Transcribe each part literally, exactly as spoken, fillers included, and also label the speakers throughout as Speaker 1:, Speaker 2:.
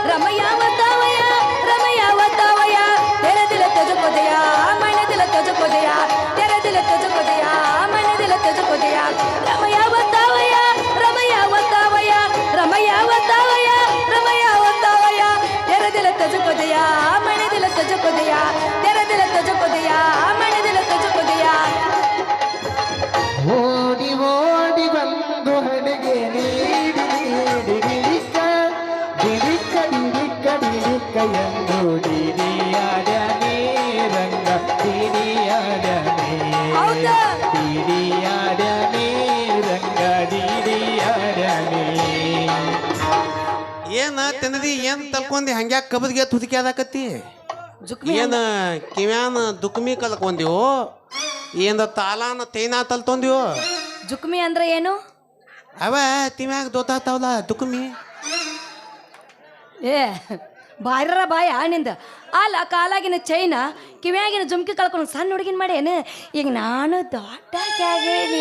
Speaker 1: ರಮಯ್ಯ ಒತ್ತಾವಯ ರಮಯ್ಯ ಒತ್ತಾವಯ ತೆರೆ ದಿಲ ತುझको दिया मैंने दिल तुझको दिया तेरे दिल तुझको दिया मैंने दिल तुझको दिया रमಯ್ಯ ಒತ್ತಾವಯ ರಮಯ್ಯ ಒತ್ತಾವಯ ರಮಯ್ಯ ಒತ್ತಾವಯ ರಮಯ್ಯ ಒತ್ತಾವಯ तेरे दिल तुझको दिया मैंने दिल तुझको दिया तेरे दिल तुझको दिया मैंने दिल तुझको दिया
Speaker 2: ಓಡಿ ಓಡಿ ಬಂದು ಹಣೆಗೆ ನೀಡಿ ನೀಡಿ ಡಿಡಿಕ್ಕ ಡಿಡಿಕ್ಕ ಡಿಡಿಕ್ಕ ಡಿಡಿಕ್ಕ ಎಂದು ಡಿಡಿಯಾಡನೆ ರಂಗ ಡಿಡಿಯಾಡನೆ
Speaker 1: ಹೌದಾ?
Speaker 2: ಡಿಡಿಯಾಡನೆ ರಂಗ ಡಿಡಿಯಾಡನೆ
Speaker 3: ಏನ ತಿನ್ನದಿ ಏನ್ ತಲ್ಕೊಂಡಿ ಹಂಗ್ಯಾಕ ಕಬದ್ಗೆ ತುದಿಕೆ ಆದಾಕತ್ತಿ
Speaker 1: ಜುಕ್ಮಿ
Speaker 3: ಏನ ಕಿವ್ಯಾನ ದುಕ್ಮಿ ಕಲ್ಕೊಂದಿವೋ ಏನ ತಾಲಾನ ತೈನಾ ತಲ್ತೊಂದಿವೋ
Speaker 1: ಜುಕ್ಮಿ ಅಂದ್ರೆ ಏನು
Speaker 3: ಅವ ತಿಮ್ಯಾಗ ದೋತಾತಾವಲ್ಲ ದುಕ್ಮಿ
Speaker 1: ಏ ಬಾಯ್ರ ಬಾಯ ನಿಂದ ಅಲ್ಲ ಕಾಲಾಗಿನ ಚೈನ ಕಿವ್ಯಾಗಿನ ಜುಮ್ಕಿ ಕಳ್ಕೊಂಡು ಸಣ್ಣ ಹುಡುಗಿನ ಮಾಡೇನು ಈಗ ನಾನು ದೊಡ್ಡಾಗೇನಿ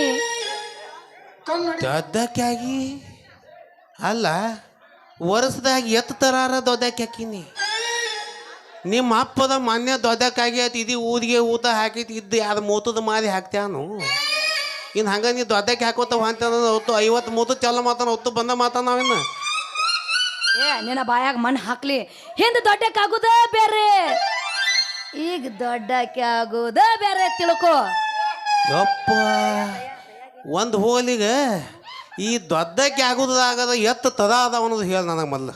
Speaker 3: ದೊಡ್ಡಕ್ಕಾಗಿ ಅಲ್ಲ ವರ್ಷದಾಗ ಎತ್ತು ತರಾರ ದೊಡ್ಡಕ್ಕೆ ಹಾಕಿನಿ ನಿಮ್ಮ ಅಪ್ಪದ ಮೊನ್ನೆ ದೊಡ್ಡಕ್ಕಾಗಿ ಆಯ್ತು ಇದು ಊದಿಗೆ ಊತ ಹಾಕೈತಿ ಇದ್ದು ಅದು ಮೂತದ ಮಾದಿ ಹಾಕ್ತ್ಯಾನು ಇನ್ನು ಹಂಗ ನೀ ದೊಡ್ಡಕ್ಕೆ ಹಾಕೋತ ಹೊಂತ ಹೊತ್ತು ಐವತ್ತು ಮೂತು ಚಲ ಮಾತಾನ ಹೊತ್ತು ಬಂದ ಮಾತಾನ ನಾವಿನ್ನು
Speaker 1: ಏ ನಿನ್ನ ಬಾಯಾಗ ಮಣ್ಣು ಹಾಕ್ಲಿ ಹಿಂದೆ ದೊಡ್ಡಕ್ಕಾಗುದ ಬೇರೆ ಈಗ ದೊಡ್ಡಕ್ಕೆ ಆಗುದ ಬೇರೆ ತಿಳ್ಕೊ
Speaker 3: ಯಪ್ಪ ಒಂದು ಹೋಲಿಗೆ ಈ ದೊಡ್ಡಕ್ಕೆ ಆಗೋದಾಗದ ಎತ್ತು ತದ ಅದ ಅನ್ನೋದು ಹೇಳ ನನಗೆ ಮೊದಲು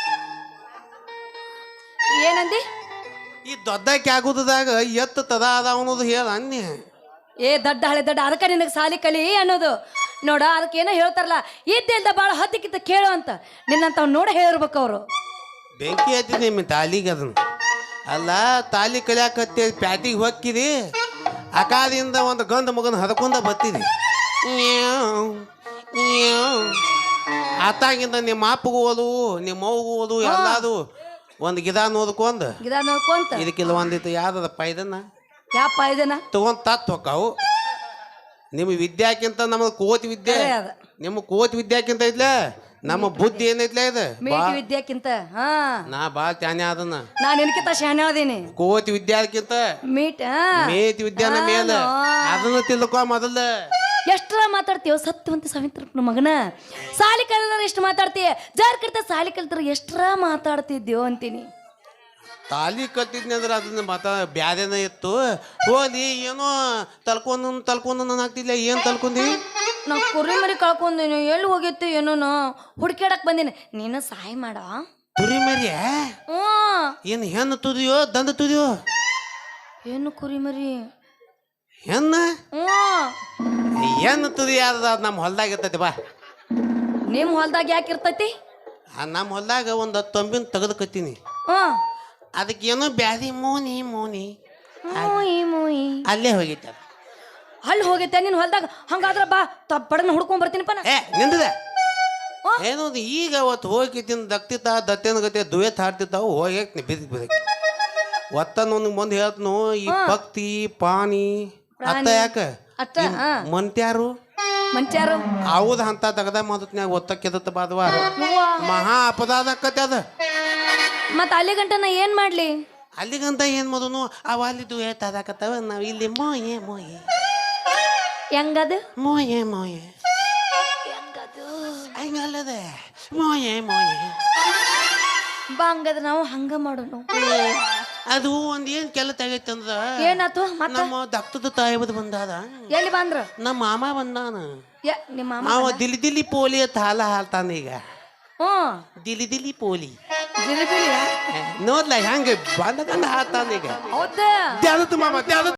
Speaker 1: ಏನಂದಿ
Speaker 3: ಈ ದೊಡ್ಡಕ್ಕೆ ಆಗೋದಾಗ ಎತ್ತು ತದ ಅದ ಅನ್ನೋದು ಹೇಳ ಅನ್ನಿ
Speaker 1: ಏ ದಡ್ಡ ಹಳೆ ದಡ್ಡ ಅದಕ್ಕೆ ನಿನಗೆ ಸಾಲಿ ಕಲಿ ಅನ್ನೋದು ನೋಡ ಅದಕ್ಕೆ ಏನೋ ಹೇಳ್ತಾರಲ್ಲ ಇದ್ದಿಲ್ದ ಭಾಳ ಹತ್ತಿಕ್ಕಿಂತ ಕೇಳು ಅಂತ ನಿನ್ನಂತವ್ ನೋಡ ಹೇಳಿರ್ಬೇಕು ಅವರು
Speaker 3: ಬೆಂಕಿ ಹತ್ತಿ ನಿಮ್ಮ ತಾಲಿಗೆ ಅದನ್ನು ಅಲ್ಲ ತಾಲಿ ಕಲಿಯಾಕತ್ತಿ ಪ್ಯಾಟಿಗೆ ಹೊಕ್ಕಿದಿ ಅಕಾದಿಂದ ಒಂದು ಗಂಧ ಮಗನ ಹದಕೊಂಡ ಬತ್ತಿದಿ ಆತಾಗಿಂದ ನಿಮ್ಮ ಅಪ್ಪಗೂ ಓದು ನಿಮ್ಮ ಅವ್ಗೂ ಓದು ಎಲ್ಲದು ಒಂದು ಗಿದ ನೋದ್ಕೊಂಡ್
Speaker 1: ಗಿದ ನೋಡ್ಕೊಂತ
Speaker 3: ಇದಕ್ಕಿಲ್ಲ ಒಂದಿತ್ತು ಯಾವ್ದದ ಪೈದನ್ನ
Speaker 1: ಯಾಪ ಇದನ್ನ
Speaker 3: ತಗೊಂಡ್ ತತ್ ಹೊಕ್ಕಾವು ನಿಮ್ಮ ವಿದ್ಯಾಕ್ಕಿಂತ ನಮ್ಮದು ಕೋತಿ ವಿದ್ಯೆ
Speaker 1: ಖರೆ ಅದ.
Speaker 3: ನಿಮ್ಮ ಕೋತಿ ವಿದ್ಯಾಕ್ಕಿಂತ ಐತ್ಲ ನಮ್ಮ ಬುದ್ಧಿ ಏನೈತ್ಲ ಇದು
Speaker 1: ಮೇಟಿ ವಿದ್ಯಾಕ್ಕಿಂತ ಹಾ
Speaker 3: ನಾ ಬಾ ತ್ಯಾನೆ ಅದನ್ನ
Speaker 1: ನಾನು ನಿನಕಿಂತ ಶಾಣೆ ಅದೀನಿ
Speaker 3: ಕೋತಿ ವಿದ್ಯಾಕ್ಕಿಂತ
Speaker 1: ಮೀಟ್
Speaker 3: ಮೇತಿ ವಿದ್ಯಾನ ಮೇಲ ಅದನ್ನ ತಿಳ್ಕೊ ಮೊದಲ
Speaker 1: ಎಷ್ಟರ ಮಾತಾಡ್ತೀವ ಸತ್ಯವಂತ ಸಾವಿತ್ರಪ್ಪನ ಮಗನ ಸಾಲಿ ಕಲಿದ್ರೆ ಎಷ್ಟು ಮಾತಾಡ್ತೀಯ ಜಾರ್ ಕರ್ತ ಸಾಲಿ ಕಲ್ತರ ಎಷ್ಟರ ಮಾತಾಡ್ತಿದ್ಯೋ ಅಂತೀನಿ
Speaker 3: ತಾಲಿ ಕಲ್ತಿದ್ನಿ ಅಂದ್ರೆ ಅದನ್ನ ಮತ ಬ್ಯಾದೇನ ಇತ್ತು ಹೋದಿ ಏನೋ ತಲ್ಕೊಂಡು ತಲ್ಕೊಂಡು ನಾನು ಆಗ್ತಿಲ್ಲ ಏನು ತಲ್ಕೊಂಡಿ
Speaker 1: ನಾ ಕುರಿ ಮರಿ ಕಳ್ಕೊಂಡೀನಿ ಎಲ್ಲಿ ಹೋಗಿತ್ತು ಏನೋ ನಾ ಹುಡ್ಕ್ಯಾಡಕ್ ಬಂದೀನಿ ನೀನು ಸಹಾಯ ಮಾಡ
Speaker 3: ತುರಿ ಮರಿಯ
Speaker 1: ಹ್ಞೂ
Speaker 3: ಏನು ಹೆಣ್ಣು ತುದಿಯೋ ದಂಡ ತುದಿಯೋ
Speaker 1: ಏನು ಕುರಿ ಮರಿ
Speaker 3: ಹೆಣ್ಣು
Speaker 1: ಹ್ಞೂ
Speaker 3: ಹೆಣ್ಣು ತುದಿ ಯಾವ್ದು ಅದು ನಮ್ಮ ಹೊಲ್ದಾಗ ಇರ್ತೈತಿ ಬಾ
Speaker 1: ನಿಮ್ಮ ಹೊಲ್ದಾಗ ಯಾಕೆ ಇರ್ತೈತಿ
Speaker 3: ಆ ನಮ್ಮ ಹೊಲ್ದಾಗ ಒಂದು ಹತ್ತು ತೊಂಬಿನ ತೆಗೆದುಕತ್ತೀನಿ
Speaker 1: ಹ್ಞೂ
Speaker 3: ಅದಕ್ಕೆ ಏನೋ ಬ್ಯಾದಿ ಮೋನಿ ಮೋನಿ
Speaker 1: ಮೂಯಿ ಮೂಯಿ
Speaker 3: ಅಲ್ಲೇ ಹೋಗಿತ್ತು ಅದು.
Speaker 1: ಅಲ್ಲಿ ಹೋಗೈತೆ ನಿನ್ನ ಹೊಲ್ದಾಗ ಹಂಗಾದ್ರ ಬಾ ತಪ್ಪಡನ್ನ ಹುಡ್ಕೊಂಡ್ ಬರ್ತೀನಿಪ್ಪ ನಾ
Speaker 3: ಏ ನಿಂದಿದೆ
Speaker 1: ಆ?
Speaker 3: ಏನೋ ಅದು ಈಗ ಅವತ್ತು ಹೋಗಿತ್ತಿನ ದಕ್ತಿತ್ತ ದತ್ತೇನ ಗತಿ ದುವೇತ್ ಹಾಡ್ತಿತ್ತಾವು ಹೋಗಿ ಬಿದ್ದಿ ಬಿದಕ್ಕೆ ಒತ್ತನೊಂದು ಮುಂದೆ ಹೇಳ್ತನು ಈ ಭಕ್ತಿ ಪಾನಿ ಅತ್ತ ಯಾಕ
Speaker 1: ಅಷ್ಟ ಹಾ
Speaker 3: ಮಂತ್ಯಾರು
Speaker 1: ಮಂಚಾರು
Speaker 3: ಹೌದ ಅಂತ ತಗದ ಮಾತನ್ಯಾಗ ಒತ್ತಕ್ಕೆದತ್ತ ಬಾದವ
Speaker 1: ಹೂವ
Speaker 3: ಮಹಾ ಅಪದಾದ ಆಕ್ಕತಿ ಅದ
Speaker 1: ಮತ್ತ ಅಲ್ಲಿ ಗಂಟ ನಾ ಏನ್ ಮಾಡ್ಲಿ
Speaker 3: ಅಲ್ಲಿಗಂತ ಏನ್ ಮೊದಲು ಅವ ಅಲ್ಲಿ ದುವೇತ್ ಆದಾಕತ್ತವ ನಾವ್ ಇಲ್ಲಿ ಮೋಯೆ ಮೋಯೆ
Speaker 1: ಹೆಂಗದು
Speaker 3: ಮೋಯೆ ಮೋಯೆ
Speaker 1: ಹೆಂಗದು
Speaker 3: ಹಂಗಲ್ಲದ ಮೋಯೆ ಮೋಯೆ
Speaker 1: ಬಾ ಹಂಗದ ನಾವು ಹಂಗ ಮಾಡೋಣ
Speaker 3: ಅದು ಒಂದ್ ಏನ್ ಕೆಲ ತೆಗೈತಂದ್ರ
Speaker 1: ಏನಾತು ಮತ್ತ
Speaker 3: ನಮ್ಮ ದಕ್ತದ ತಾಯಿಬದ್ ಬಂದಾದ
Speaker 1: ಎಲ್ಲಿ ಬಂದ್ರ
Speaker 3: ನಮ್ಮ ಮಾಮ ಬಂದಾನ
Speaker 1: ಯ ನಿಮ್ಮ ಮಾಮ
Speaker 3: ಅವ ದಿಲಿ ದಿಲಿ ಪೋಲಿ ಅಂತ ಹಾಲ ಹಾಲ್ತಾನ ಈಗ
Speaker 1: ಹ್ಮ್
Speaker 3: ದಿಲಿ ದಿಲಿ ಪೋಲಿ
Speaker 1: ಜಿಲಿಬಿಲಿಯ
Speaker 3: ನೋಡ್ಲ ಹೆಂಗ ಬಂದ ಹಾಲ್ತಾನ ಈಗ
Speaker 1: ಹೌದಾ
Speaker 3: ದ್ಯಾದತ್ ಮಾಮ ದ್ಯಾದತ್